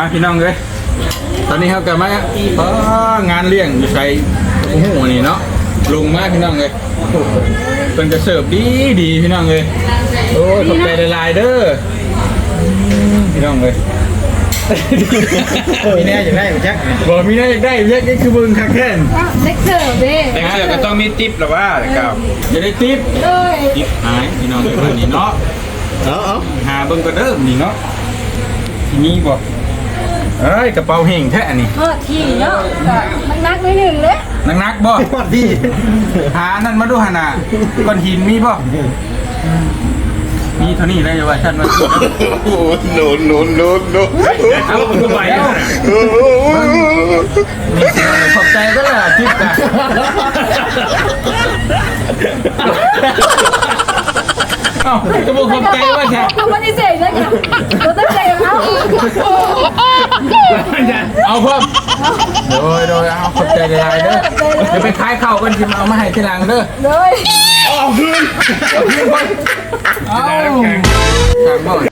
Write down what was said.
พี่น้องเลยตอนนี้เขากลับมางานเลี้ยงอยู่ใส่หูนี่เนาะลงมาพี่น้องเลยเป็นจะเสิร์ฟดีพี่น้องเลยโอ้ยขอบใจหลายๆเด้อพี่น้องเลยมีแน่อยากได้ไหมแจ็คบอกมีแน่อยากได้แจ็คนี่คือมึงคักแค่นเล็กเสิร์ฟดิแต่เสือก็ต้องมีติ๊บหรอว่าครับจะได้ติ๊บเลยติ๊บหายพี่น้องเลยวันนี้เนาะหาเบิ่งก็เด้อนี่เนาะทีนี้บอกเอ้ยกระเป๋าเฮงแท้นี่ก็ที่เนาะมันนักไม่หนึ่งเลยนักบ่พี่หานั่นมาดูหาน่ะก้อนหินมีบ่มีเท่านี้ได้ว่าฉันมาโอ้โนเอาขึ้นไปมีเสียงขอบใจก็ล่ะทิพย์กันเอ้ากระบอกขอบใจว่าแท้ทำปฏิเสธเลยค่ะเราต้องใจเขาเอาเพิ่มโดยเอาขอบใจหลายๆเด้อเดี๋ยวไปขายข้าวกันสิมาเอามาให้ทีหลังเด้อเลยเอาคืนก่อนเอาสั่งบ่อย